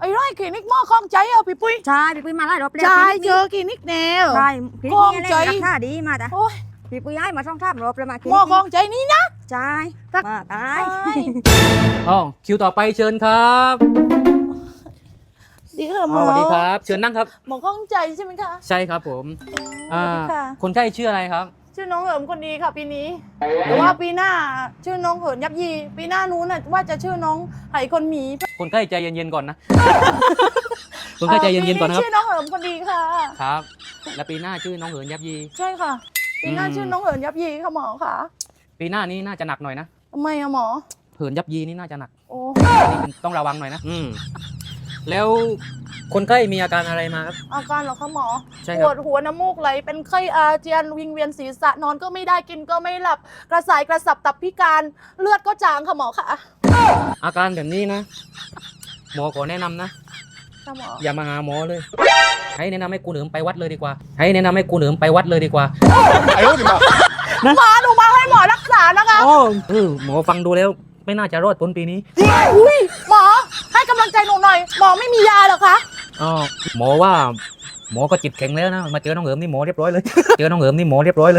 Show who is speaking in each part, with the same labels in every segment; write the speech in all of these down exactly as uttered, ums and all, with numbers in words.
Speaker 1: ไอ้ร้อยคลินิกหม้อคล้องใจเอาพี่ปุ้ย
Speaker 2: ใช่พี่ปุ้ยมาหลายรอบแล้ว
Speaker 1: ใช่เจอคลินิกแนว
Speaker 2: ใช่คลินิกนี้แหละราคาดีมาจ้ะ
Speaker 1: โอ้ย
Speaker 2: พี่ปุ้ยย้ายมาช่องทามรอบแล้วมาคลิ
Speaker 1: หม้
Speaker 2: นิ
Speaker 1: อก คล้องใจนี่นะ
Speaker 2: ใช่มาตาย
Speaker 3: อ๋อคิวต่อไปเชิญครับ
Speaker 1: ดีค่ะหม
Speaker 3: อ๋อ
Speaker 1: อ
Speaker 3: สวัสดีครับ เชิญนั่งครับ
Speaker 1: หมอคล้องใจใช่ไหมคะ
Speaker 3: ใช่ครับผมอ่า
Speaker 1: สวัสดีค่ะ
Speaker 3: คนไข้ชื่ออะไรครับ
Speaker 1: ชื่อน้องเหิมคนดีค่ะปีนี้แต่ว่าปีหน้าชื่อน้องเหินยับยีปีหน้านู้นน่ะว่าจะชื่อน้องไหคนหมี
Speaker 3: คนไข้ใจเย็นๆก่อนนะ คนไข้ใจเย็นๆก่อนนะครับ
Speaker 1: ชื่อน้องเหิมคนดีค่ะ
Speaker 3: ครับ และปีหน้าชื่อน้องเหินยับยี
Speaker 1: ใช่ค่ะ ปีหน้า
Speaker 3: อืม
Speaker 1: ชื่อน้องเหินยับยีค่ะหมอค่ะ
Speaker 3: ปีหน้านี้น่าจะหนักหน่อยนะ
Speaker 1: ทำไมอะหมอ
Speaker 3: เหินยับยีนี่น่าจะหนัก
Speaker 1: โอ้
Speaker 3: นี่ต้องระวังหน่อยนะ อืมแล้วคนไข้มีอาการอะไรมาครับ
Speaker 1: อาการเหรอคะหมอ
Speaker 3: ใช่
Speaker 1: ป
Speaker 3: ครับ
Speaker 1: วดหัวน้ำมูกไหลเป็นไข้อาเจียนวิงเวียนศีรษะนอนก็ไม่ได้กินก็ไม่หลับกระสายกระสับตับพิการเลือดก็จางค่ะหมอค่ะ
Speaker 3: อาการแบบนี้นะ หมอขอแนะนำนะ
Speaker 1: ค่ะหมอ
Speaker 3: อย่ามาหาหมอเลย ให้แนะนำให้กูเหนิมไปวัดเลยดีกว่า ให้แนะนำให้กูเหนิมไปวัดเลยดีกว่า
Speaker 1: หมอหนูมาให้หมอรักษานะคะ
Speaker 3: โอ้เออหมอฟังดูแล้วไม่น่าจะรอดพ้นปีนี้
Speaker 1: อุ้ยหมอให้กำลังใจหนูหน่อยหมอไม่มียาเหรอคะ
Speaker 3: อ๋อหมอว่าหมอก็จิตแข็งแล้วนะมาเจอน้องเหิมนี่หมอเรียบร้อยเลย เจอน้องเหิมนี่หมอเรียบร้อยเลย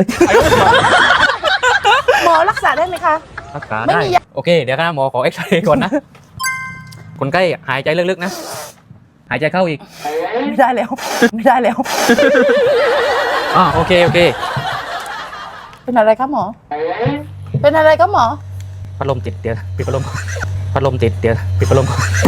Speaker 1: หมอรักษาได้ไหมคะ
Speaker 3: รักษา
Speaker 1: ไม่
Speaker 3: ได้
Speaker 1: มียา
Speaker 3: โอเคเดี๋ยวนะหมอขอเอ็กซเรย์ก่อนนะ คนไข้หายใจลึกๆนะ หายใจเข้าอีก
Speaker 1: ไม่ได้แล้วไม่ได้แล้ว
Speaker 3: อ่าโอเคโอเค
Speaker 1: เป็นอะไรคะหมอ เป็นอะไรคะหมอ
Speaker 3: พัดลมติดเดี๋ยวปิดพัดลมพัดลมติดเดี๋ยวปิดพัดลม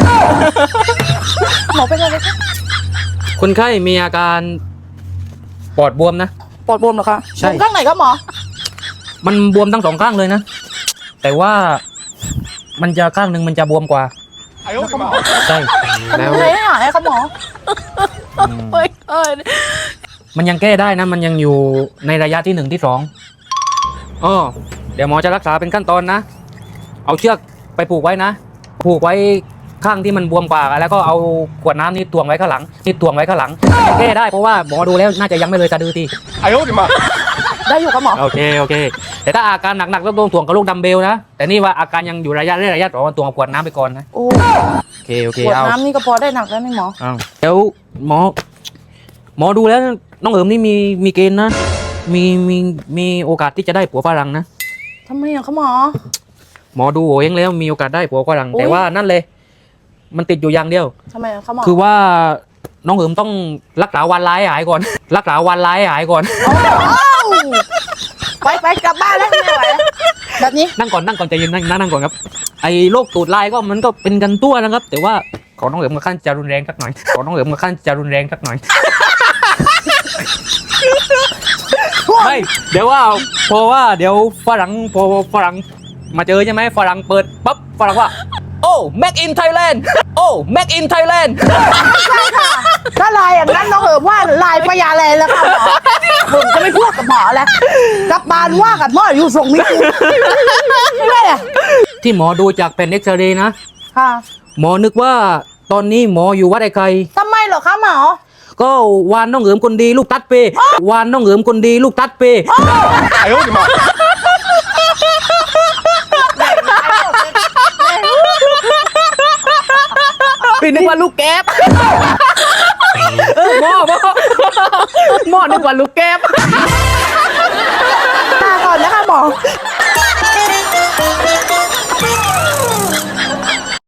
Speaker 1: หมอเป็นอะไรคะ
Speaker 3: คนไข้มีอาการปอดบวมนะ
Speaker 1: ปอดบวมเหรอคะ
Speaker 3: ใช่
Speaker 1: บวมข้างไหนคะหมอ
Speaker 3: มันบวมทั้งสองข้างเลยนะ แต่ว่ามันจะข้างหนึ่งมันจะบวมกว่าใช่แล้ว
Speaker 1: ทำไมไม่หายคะหมอ
Speaker 3: อืม
Speaker 1: เฮ้ยเอ้ย
Speaker 3: มันยังแก้ได้นะ มันยังอยู่ในระยะที่หนึ่งที่สองอ๋อเดี๋ยวหมอจะรักษาเป็นขั้นตอนนะ เอาเชือกไปผูกไว้นะ ผูกไว้ข้างที่มันบวมกว่าแล้วก็เอาขวดน้ำนี่ตวงไว้ข้างหลังนี่ตวงไว้ข้างหลังยังแก้ได้เพราะว่าหมอดูแล้วน่าจะยังไม่เลยสะดือที
Speaker 1: ได้อยู่คะหมอ
Speaker 3: โอเคโอเค แต่ถ้าอาการหนักๆต้องตวงกับลูกดัมเบลนะ แต่นี่ว่าอาการยังอยู่ระยะแรกระยะสองตวงกับขวดน้ำไปก่อนนะ
Speaker 1: โอ้
Speaker 3: โอเคโอเค
Speaker 1: ขวด
Speaker 3: เอา
Speaker 1: น้ำนี่ก็พอได้หนักแล้วนี่หมอ
Speaker 3: เอาแล้วหมอ หมอดูแล้วน้องเอิมนี่มีมีเกณฑ์นะ มีมีมีโอกาสที่จะได้ผัวฝรั่งนะ
Speaker 1: ทำไมอะคะหมอ
Speaker 3: หมอดูโอเองแล้วมีโอกาสได้ผัวฝรั่ง
Speaker 1: อุ๊ย
Speaker 3: แต่ว่านั่นเลย มันติดอยู่อย่างเดียว
Speaker 1: ทำไมอะคะหมอ
Speaker 3: คือว่าน้องเอิมต้องรักษาวันร้ายหายก่อน รักษาวันร้ายหายก่อน
Speaker 1: ไปไปกลับบ้านแล้วไม่ไหวแล้วแบบนี้
Speaker 3: นั่งก่อนนั่งก่อนใจเย็นนั่งนั่งก่อนครับไอ้โรคตูดลายก็มันก็เป็นกันตัวนะครับ แต่ว่าของน้องเอิมกับขั้นจะรุนแรงสักหน่อยของน้องเอิมกับขั้นจะรุนแรงสักหน่อย ไม่เดี๋ยวว่าเพราะว่าเดี๋ยวฝรั่งพอฝรั่งมาเจอใช่ไหมฝรั่งเปิดปั๊บฝรั่งว่าโอ้ make in Thailand โอ้ make in Thailand
Speaker 1: ใช่ค่ะถ้าลายอย่างนั้นน้องเอิมว่าลายพญาแลนแล้วค่ะหมอผมจะไม่พูดกับหมอแล้วกลับบานว่ากับหมออยู่ส่งมิตรไม่ได้อะ
Speaker 3: ที่หมอดูจากแผ่นเอ็กซเรย์นะ
Speaker 1: ค่ะ
Speaker 3: หมอนึกว่าตอนนี้หมออยู่วัดไอ้ไข่
Speaker 1: ทำไมเหรอคะหมอ
Speaker 3: ก็วานน้องเอิมคนดีลูกตัดเปวานน้องเอิมคนดีลูกตัดเป
Speaker 1: พี่นึกว่าลูกแก๊บ
Speaker 3: หมอหมอหมอนึกว่าลูกแก้บ
Speaker 1: ลาก่อนนะคะหมอ